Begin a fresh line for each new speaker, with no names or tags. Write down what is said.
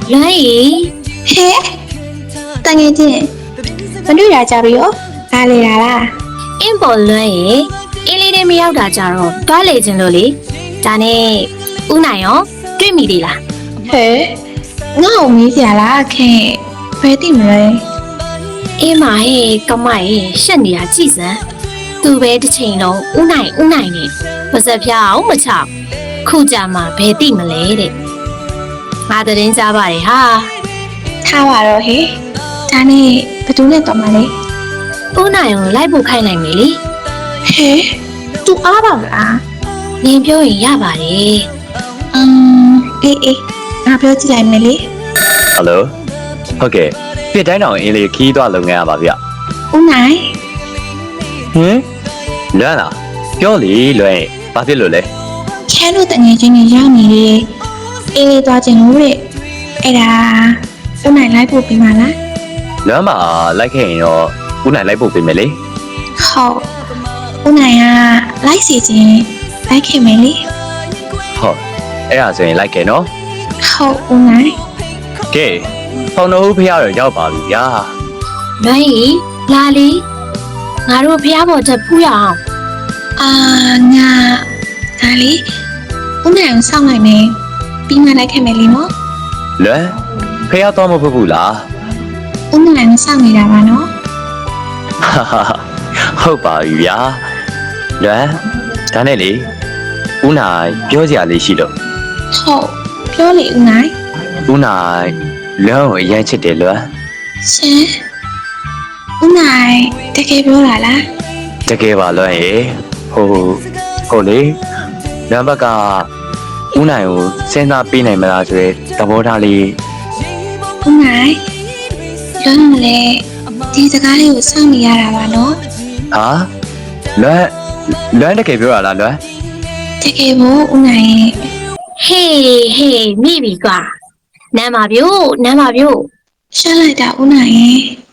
လွမ်းရီ
ဟဲတငယ်ချင်းမတွေ့ရကြပြီရောဒါလေလား
အင်းပေါ်လွမ်းရီအင်းလေးတွေမရောက်တာကြတော့တွားလေခြင်းလို့လေဒါနဲ့ဦးနိုင်ရောတွေ့မိသေးလား
ဟဲငါ့ကိုမေးစရာလားခင်ဘယ်သိမလဲ
အေးမဟဲ့ကမိုင်ရှက်နေတာကြည်စမ်းသူပဲတစ်ချိန်လုံးဦးနိုင်နဲ့မစက်ဖျားအောင်မချခုကြမှာဘယ်သိမလဲတဲ့ငါသတင်းကြပါတယ်ဟာ
ထားပါတော့ဟဲဒါနဲ့ဘယ်သူနဲ့တော်မလဲ
ဦးနိုင်ကိုလိုက်ဖို့ခိုင်းနိုင်မယ်လေ
ဟဲသူအားပါမလား
နင်ပြောရင်ရပါတယ်
အေးငါပြောကြည့်လိုက်မယ်လေ
ဟယ်လိုဟုတ်ကဲ့ပြစ်တိုင်းတော်အင်းလေးခီးသွားလုပ်ငန်းရပါဗျ
ဦးနိုင်
ဟင်လွမ်းလားပြောလေလွမ်းဘာဖြစ်လို့လဲ
ချမ်းတို့တငယ်ချင်းတွေရောက်နေလေအေးလေးသွားခြင်းလို့တဲ့အဲ့ဒါဦးနိုင်လိုက်ဖို့ပြီးမှလား
လွမ်းမှာလိုက်ခဲ့ရင်တော့ဦးနိုင်လိုက်ဖို့ပြင်မယ်လေ
ဟုတ်ဦးနိုင်ကလိုက်စီခြင်းလိုက်ခင်မယ်လေ
ဟုတ်အဲ့ဒါဆိုရင်လိုက်ခဲ့နော်
ဟုတ်ဦးနိုင်
ကဲဖောင်တော်ဦးဖះတော့ရောက်ပါပြီဗျာ
လွမ်းရီလာလီငါတို့ဖျားပေါ်ချက်ဖူးရအောင်
ငါဒါလေဦးနိုင်ကိုစောင့်လိုက်မယ်ပြီးမှလိုက်ခင်မယ်လေနော်
လွမ်းဖះတော့မဖို့ဘူးလား
ဦးနိုင်ကိုစောင့်နေတာပါနော်
ဟုတ်ပါပြီဗျာလွမ်းဒါနဲ့လေဦးနိုင်ပြောစရာလေးရှိလို့
ဟုတ်ပြောလေဦးနိုင်
ဦးနိုင်လွမ်းကိုအရင်ချစ်တယ်လွမ်း
ရှင်ဦးနိုင်တကယ်ပြောတာလား
တကယ်ပါလွမ်းရေဟုတ်လေနံပါတ်ကဦးနိုင်ကိုစဉ်းစားပေးနိုင်မလားဆိုရဲသဘောထားလေး
ဦးနိုင်လွမ်းလည်းဒီစကားလေးကိုစောင့်နေရတာပါနော်
ဟာလွမ်းတကယ်ပြောရလားလွမ်း
တကယ်ကိုဦးနိုင်ရဲ့
ဟေးမိပြီကွာနမ်းပါဗျို့
ရှာလိုက်တာဦးနိုင်ရဲ့